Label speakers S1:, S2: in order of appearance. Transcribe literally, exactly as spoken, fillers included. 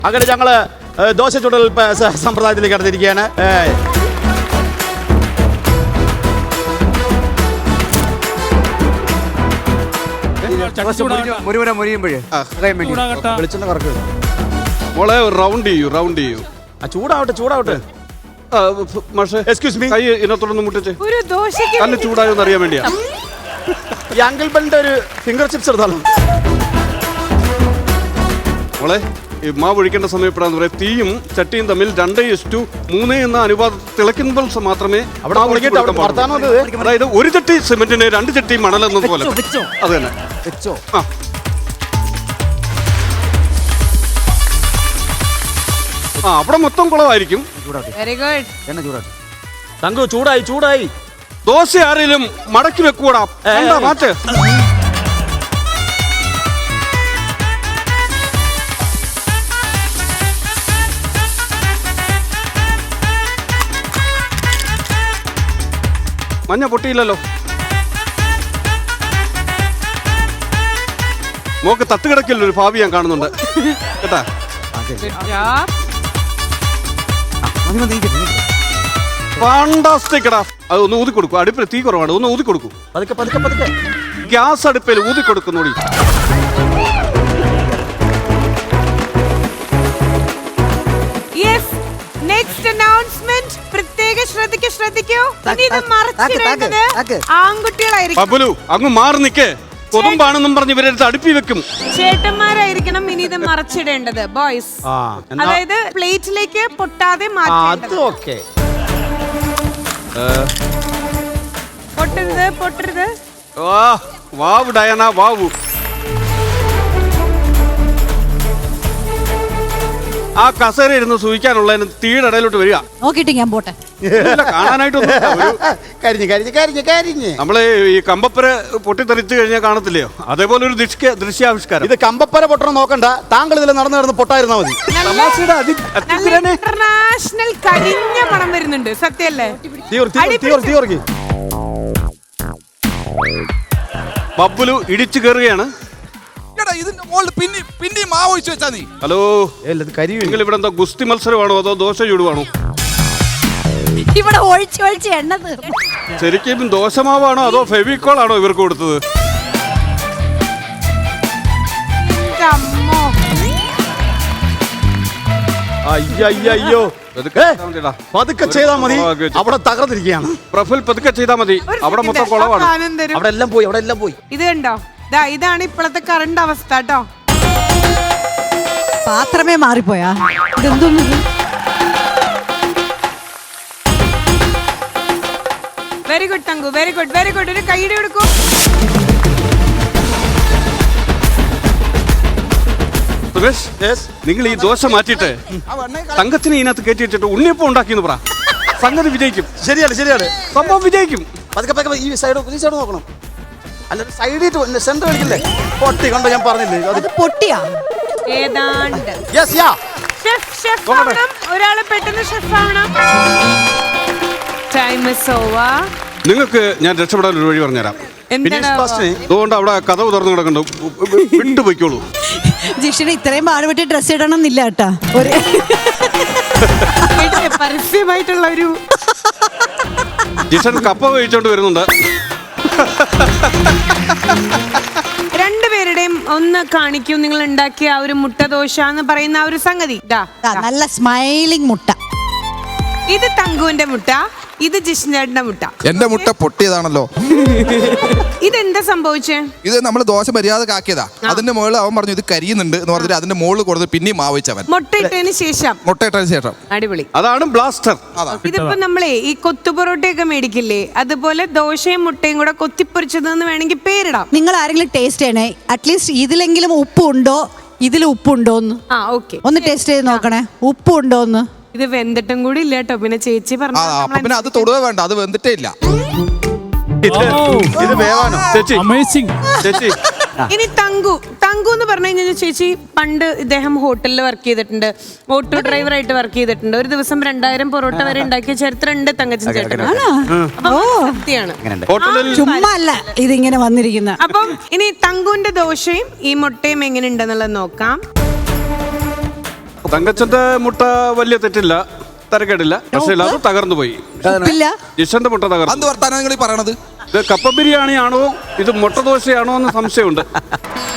S1: അങ്ങനെ ഞങ്ങള് ദോശ ചുടൽ സമ്പ്രദായത്തിലേക്ക് കടന്നിരിക്കുകയാണ്.
S2: മോളെ റൗണ്ട് ചെയ്യൂ റൗണ്ട് ചെയ്യൂ.
S1: ചൂടാവട്ടെ ചൂടാവട്ടെ.
S2: എക്സ്ക്യൂസ് മീ, കൈ ഇതിനകത്തോടൊന്ന് മുട്ടിച്ച്.
S3: ഒരു ദോശയ്ക്ക്
S2: നല്ല ചൂടായോന്ന് അറിയാൻ വേണ്ടിയാ.
S1: ഈ അങ്കിൾ ബെന്റെ ഒരു ഫിംഗർ ചിപ്സ് എടുത്താലോ?
S2: മോളെ ഈ മാവ് ഒഴിക്കേണ്ട സമയപ്പെടാന്ന് പറയാം. തീയും ചട്ടിയും തമ്മിൽ രണ്ട് ഇസ്റ്റു മൂന്ന് എന്ന അനുപാതം തിളയ്ക്കുമ്പോൾ മാത്രമേ അതായത് ഒരു ചട്ടി സിമെന്റിന് രണ്ട് ചട്ടി മണൽ എന്നതുപോലെ. അത് തന്നെ
S1: വെച്ചോ.
S2: ആ അവിടെ മൊത്തം കുളമായിരിക്കും.
S3: Very good.
S1: എണ്ണ ചൂടാട്ടെ. തങ്കു ചൂടായി ചൂടായി.
S2: ദോശ ആരെങ്കിലും മടക്കി വെക്കൂടാ. മാറ്റ്. മഞ്ഞ പൊട്ടിയില്ലല്ലോ. മോക്ക് തട്ടുകിടക്കില്ല ഒരു ഭാവി ഞാൻ കാണുന്നുണ്ട് കേട്ടാ. ഫാന്റാസ്റ്റിക് എടാ. അത് ഒന്ന് ഊതി കൊടുക്കും. അടുപ്പിൽ തീ കുറവാണ്, ഒന്ന് ഊതി കൊടുക്കും.
S1: പതുക്കെ പതുക്കെ പതുക്കെ.
S2: ഗ്യാസ് അടുപ്പിൽ ഊതി കൊടുക്കുന്നോടി.
S3: നെക്സ്റ്റ് അനൗൺസ്മെന്റ് പ്രത്യേക ശ്രദ്ധിക്കൂ ശ്രദ്ധിക്കൂ. ഇനി ഇത് മറച്ചിടേണ്ടത് ആൺകുട്ടികളായിരിക്കും.
S2: ബബുലു അങ്ങ് മാറി നിക്കേ. കൊതുമ്പാണെന്നും പറഞ്ഞ് ഇവരെടുത്ത് അടുപ്പി വെക്കും.
S3: ചേട്ടന്മാരായിരിക്കണം ഇനി ഇത് മറച്ചിടേണ്ടത്. ബോയ്സ് അതായത് പ്ലേറ്റിലേക്ക് പൊട്ടാതെ മാറ്റേണ്ടത്. പൊട്ടരുത് പൊട്ടരുത്.
S2: വാവ് ഡയന വാവു. ആ കസേര ഇരുന്ന് സൂഹിക്കാനുള്ളതിന് തീയുടെ ഇടയിലോട്ട് വരിക.
S4: നോക്കിട്ട് ഞാൻ പോട്ടെ.
S2: കാണാനായിട്ടൊന്നും നമ്മള് ഈ കമ്പപ്പര പൊട്ടിത്തെറിച്ചു കഴിഞ്ഞാൽ കാണത്തില്ലയോ, അതേപോലെ ഒരു ദൃശ്യാവിഷ്കാരം.
S1: ഇത് കമ്പപ്പര പൊട്ടണം നോക്കണ്ട. താങ്കൾ ഇതിൽ നടന്നു നടന്ന് പൊട്ടായിരുന്നാ മതി.
S3: ഇന്റർനാഷണൽ കരിഞ്ഞ മണം വരുന്നുണ്ട്. സത്യല്ലേ?
S2: ബബ്ബുലു ഇടിച്ചു കയറുകയാണ്. ഹലോ, നിങ്ങൾ ഇവിടെ എന്താ ഗുസ്തി മത്സരമാണോ അതോ ദോശ ചൂടുവാണോ?
S4: ഇവിടെ ഒഴിച്ച് ഒഴിച്ച് എണ്ണ തീർന്നു.
S2: ശരിക്കും ദോശമാവാണോ അതോ ഫെവിക്കോൾ ആണോ ഇവർക്ക് കൊടുത്തത്?
S1: അയ്യോ പതുക്കെ ചെയ്താ മതി. അവിടെ തകർന്നിരിക്കുകയാണ്.
S2: പ്രഫുൽ പതുക്കെ ചെയ്താ മതി. അവിടെ മൊത്തം കുളവാണ്.
S1: അവിടെ എല്ലാം പോയി അവിടെ എല്ലാം പോയി.
S3: ഇത് കണ്ടോ, ഇതാണ് ഇപ്പോഴത്തെ കറണ്ട് അവസ്ഥ കേട്ടോ.
S4: പാത്രമേ മാറിപ്പോയാ. ഇതെന്തോന്നു?
S3: Very good thank you, very good very good. ഒരു കൈയ്യടി കൊടുക്കൂ.
S2: നിങ്ങൾ ഈ ദോശ മാറ്റിയിട്ട് തങ്കത്തിനെ ഇതിനകത്ത് കയറ്റി വെച്ചിട്ട് ഉണ്ണിയപ്പം ഉണ്ടാക്കിയെന്ന് പറ. സംഗതി വിജയിക്കും.
S1: ശരിയാണ് ശരിയാണ്,
S2: സംഭവം വിജയിക്കും.
S1: പതുക്കെ പതുക്കെ ഈ സൈഡ് ഈ സൈഡ് നോക്കണം. അല്ല സൈഡിൽ സെന്റർ കളിക്കില്ലേ? പൊട്ടി കണ്ടോ ഞാൻ പറഞ്ഞില്ലേ?
S4: അത് പൊട്ടിയാ
S3: ഏതാണ്ട്.
S1: യെസ് യാ.
S3: ഷെഫ് ഷെഫ് ആവണം. ഒരാള് പെട്ടെന്ന് ഷെഫ് ആവണം. Time is over.
S2: നിങ്ങൾക്ക് ഞാൻ രക്ഷപ്പെടാൻ ഒരു വഴി പറഞ്ഞുതരാം. അതുകൊണ്ട് അവിടെ കഥ തുറന്നു കിടക്കണ്ടോ, വിട്ടുപോയിക്കോളൂ.
S4: ജിഷിന് ഇത്രയും പാടുപെട്ടി ഡ്രസ് ഇടണം എന്നില്ല കേട്ടാ. ഒരു
S3: പരസ്യമായിട്ടുള്ള ഒരു
S2: ജിഷൻ കപ്പ കഴിച്ചോണ്ട് വരുന്നുണ്ട്.
S3: രണ്ടുപേരുടെയും ഒന്ന് കാണിക്കൂ നിങ്ങൾ ഉണ്ടാക്കിയ ആ ഒരു മുട്ട ദോശ എന്ന് പറയുന്ന ആ ഒരു സംഗതി.
S4: നല്ല സ്മൈലിംഗ് മുട്ട.
S3: ഇത് തങ്കുവിന്റെ മുട്ട, ഇത് ജിഷ്ണേട്ടന്റെ മുട്ട.
S5: എന്റെ മുട്ട പൊട്ടിയതാണല്ലോ.
S3: ഇതെന്താ സംഭവിച്ചേ?
S5: ഇത് നമ്മൾ ദോശ മര്യാദക്ക് ആക്കിയതാ. അതിന്റെ മുകളിൽ അവൻ പറഞ്ഞു ഇത് കരിയുന്നുണ്ട് എന്ന് പറഞ്ഞിട്ട് അതിന്റെ മുകളിൽ കൊടുത്ത് പിന്നെയും മാവിച്ചവൻ.
S3: മുട്ടയിട്ടതിന് ശേഷം
S5: മുട്ടയിട്ടതിന് ശേഷം
S3: അടിപൊളി.
S2: അതാണ് ബ്ലാസ്റ്റർ.
S3: ഇതിപ്പോ നമ്മളെ ഈ കൊത്തുപൊറോട്ടയൊക്കെ മേടിക്കില്ലേ, അതുപോലെ ദോശയും മുട്ടയും കൂടെ കൊത്തിപ്പൊരിച്ചതെന്ന് വേണമെങ്കിൽ പേരിടാം.
S4: നിങ്ങൾ ആരെങ്കിലും ടേസ്റ്റ് ചെയ്യണേ. അറ്റ്ലീസ്റ്റ് ഇതിലെങ്കിലും ഉപ്പുണ്ടോ, ഇതിൽ ഉപ്പുണ്ടോന്ന്
S3: ആ ഓക്കെ
S4: ഒന്ന് ടേസ്റ്റ് ചെയ്ത് നോക്കണേ. ഉപ്പുണ്ടോന്ന്.
S3: ഇത് വെന്തിട്ടും കൂടി ഇല്ല കേട്ടോ. പിന്നെ ചേച്ചി പറഞ്ഞു
S5: പിന്നെ അത് തൊടുവേ വേണ്ട, അത് വെന്തിട്ടേ ഇല്ല.
S2: ഇത് വേവാനോ ചേച്ചി? ചേച്ചി
S3: ഇനി തങ്കു തങ്കു എന്ന് പറഞ്ഞു കഴിഞ്ഞാൽ ചേച്ചി പണ്ട് ഇദ്ദേഹം ഹോട്ടലിൽ വർക്ക് ചെയ്തിട്ടുണ്ട്, ഓട്ടോ ഡ്രൈവറായിട്ട് വർക്ക് ചെയ്തിട്ടുണ്ട്. ഒരു ദിവസം രണ്ടായിരം പൊറോട്ട വരെ ഉണ്ടാക്കിയ ചരിത്രം ഉണ്ട് തങ്കച്ചൻ ചേട്ടൻ. സത്യമാണ്,
S4: ചുമ്മാ അല്ല ഇതിങ്ങനെ വന്നിരിക്കുന്ന.
S3: അപ്പം ഇനി തങ്കുവിന്റെ ദോശയും ഈ മുട്ടയും എങ്ങനെ ഉണ്ടെന്നുള്ളത് നോക്കാം.
S2: തങ്കച്ചന്റെ മുട്ട വലിയ തെറ്റില്ല, തരക്കേടില്ല, പക്ഷേ അത് തകർന്നു പോയി.
S4: ഉപ്പില്ല.
S2: ജിഷന്റെ മുട്ട
S5: എന്ത്
S2: തകർന്നു.
S5: വർത്താനം നിങ്ങൾ ഈ പറയണത്?
S2: ഇത് കപ്പ ബിരിയാണി ആണോ ഇത് മുട്ട ദോശയാണോ എന്ന് സംശയമുണ്ട്.